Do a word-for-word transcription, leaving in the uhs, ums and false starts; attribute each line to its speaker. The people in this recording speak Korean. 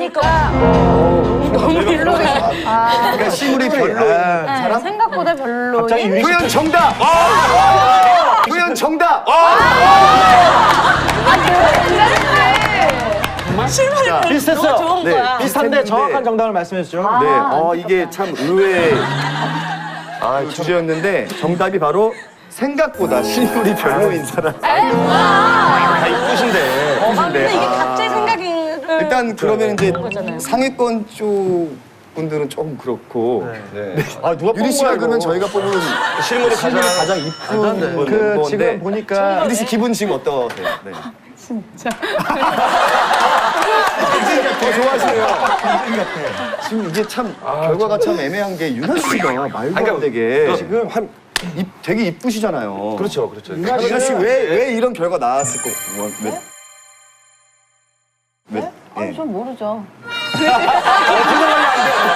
Speaker 1: 보니까 너무 별로예요.
Speaker 2: 그러니까 시물이 별로인 사람?
Speaker 1: 생각보다 별로인.
Speaker 2: 표현 정답! 표현 정답!
Speaker 1: 실물이 별로
Speaker 3: 비슷했어요.
Speaker 1: 너무 좋은
Speaker 2: 네,
Speaker 1: 거야.
Speaker 3: 비슷한데 정확한 정답을 말씀해 주죠.
Speaker 2: 네, 어, 이게 참 의외의 아, 주제였는데 정답이 바로 생각보다 실물이 별로인 사람.
Speaker 3: 다 이쁘신데.
Speaker 1: 아, 근데 이게
Speaker 2: 아.
Speaker 1: 각자의 생각을
Speaker 2: 일단 그러면 이제
Speaker 1: 거잖아요.
Speaker 2: 상위권 쪽 분들은 조금 그렇고
Speaker 3: 네. 아 누가
Speaker 2: 유리 씨가 그러면 저희가 뽑은
Speaker 3: 실물이 가장
Speaker 2: 가장 이쁜
Speaker 3: 그
Speaker 2: 멤버인데
Speaker 3: 지금 보니까
Speaker 2: 유리 씨 기분 지금 어떠세요? 네.
Speaker 1: 진짜.
Speaker 2: 더 좋아하시네요. 지금 이게 참 결과가 참 애매한 게 유나 씨가 말도 안 되게 지금 한 입, 되게 이쁘시잖아요.
Speaker 3: 그렇죠, 그렇죠.
Speaker 2: 유나 씨 왜 왜 이런 결과 나왔을 거? 뭐, 왜? 왜?
Speaker 1: 아니,
Speaker 2: 예.
Speaker 1: 전 모르죠.